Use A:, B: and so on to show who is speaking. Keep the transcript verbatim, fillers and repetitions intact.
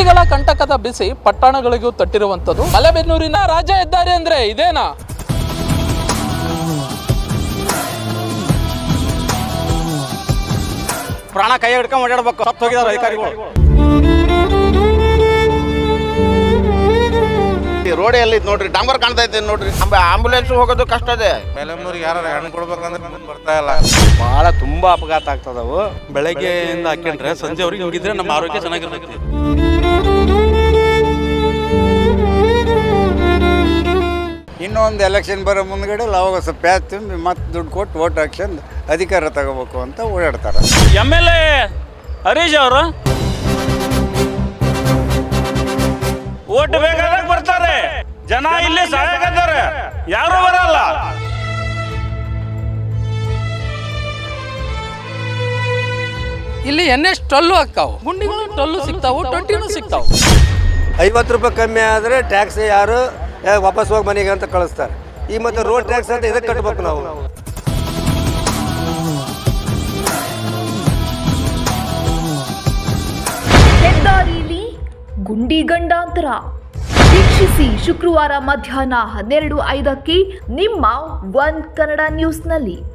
A: ಹಳ್ಳಿಗಳ ಕಂಟಕದ ಬಿಸಿ ಪಟ್ಟಣಗಳಿಗೂ ತಟ್ಟಿರುವಂಥದ್ದು. ಮಲೆಬೆನ್ನೂರಿನ ರಾಜ್ಯ ಹೆದ್ದಾರಿ ಅಂದ್ರೆ ಇದೇನಾ?
B: ಪ್ರಾಣ ಕೈ ಹಿಡ್ಕೊಂಡು ಓಡಾಡ್ಬೇಕು. ಸತ್ತು ಹೋಗಿದಾರೆ ಅಧಿಕಾರಿಗಳು.
C: ರೋಡ್ ಎಲ್ಲಿ ನೋಡ್ರಿ, ಡಾಂಬರ್ ಕಾಣ್ತಾ ಇದ್ದೇನೆ ನೋಡ್ರಿ. ಆಂಬುಲೆನ್ಸ್ ಹೋಗೋದು ಕಷ್ಟ ಇದೆ.
D: ಮೇಲಮ್ನೂರಿಗೆ ಯಾರು ಹಣ್ಣು ಕೊಡ್ಬೇಕಂದ್ರೆ ಬರ್ತಾ ಇಲ್ಲ.
B: ಬಹಳ ತುಂಬಾ ಅಪಘಾತ ಆಗ್ತದವು.
D: ಬೆಳಗ್ಗೆಯಿಂದ ಹಾಕೊಂಡ್ರೆ ಸಂಜೆವರೆಗೆ ಹಿಂಗಿದ್ರೆ ನಮ್ಮ ಆರೋಗ್ಯ ಚೆನ್ನಾಗಿರ್ತೈತಿ.
E: ಇನ್ನೊಂದು ಎಲೆಕ್ಷನ್ ಬರೋ ಮುಂದ್ಗಡೆ ಅವಾಗ ಸ್ವಲ್ಪ ಪ್ಯಾಚ್ ತುಂಬಿ ಮತ್ತೆ ದುಡ್ಡು ಕೊಟ್ಟು ಓಟ್ ಹಾಕ್ಸಂದು ಅಧಿಕಾರ ತಗೋಬೇಕು ಅಂತ ಓಡಾಡ್ತಾರೆ.
F: ಎಮ್ ಎಲ್ ಎ ಹರೀಶ್ ಅವರು ಓಟ್ ಬೇಕಾದಾಗ ಬರ್ತಾರೆ, ಜನ ಇಲ್ಲಿ ಸಾಕಾಗ್ತಾರೆ, ಯಾರು ಬರಲ್ಲ.
A: ಇಲ್ಲಿ ಎನ್ ಎಸ್ ಟೊಲ್ಲು ಹಾಕ್ತಾವು, ಗುಂಡಿಗಳು ಟೊಲ್ಲು ಸಿಗ್ತಾವು, ಟ್ವೆಂಟಿನೂ ಸಿಗ್ತಾವು.
G: ಐವತ್ತು ರೂಪಾಯಿ ಕಮ್ಮಿ ಆದರೆ ಟ್ಯಾಕ್ಸ್ ಯಾರು ವಾಪಸ್ ಹೋಗಿ ಮನೆಗೆ ಅಂತ ಕಳಿಸ್ತಾರೆ. ಈ ಮತ್ತೆ ರೋಡ್ ಟ್ಯಾಕ್ಸ್ ಅಂತ ಇದಕ್ಕೆ ಕಟ್ಟಬೇಕು ನಾವು.
H: ಹೆದ್ದಾರಿಯಲ್ಲಿ ಗುಂಡಿ ಗಂಡಾಂತರ ವೀಕ್ಷಿಸಿ ಶುಕ್ರವಾರ ಮಧ್ಯಾಹ್ನ ಹನ್ನೆರಡು ಐದಕ್ಕೆ ನಿಮ್ಮ ಒನ್ ಕನ್ನಡ ನ್ಯೂಸ್ನಲ್ಲಿ.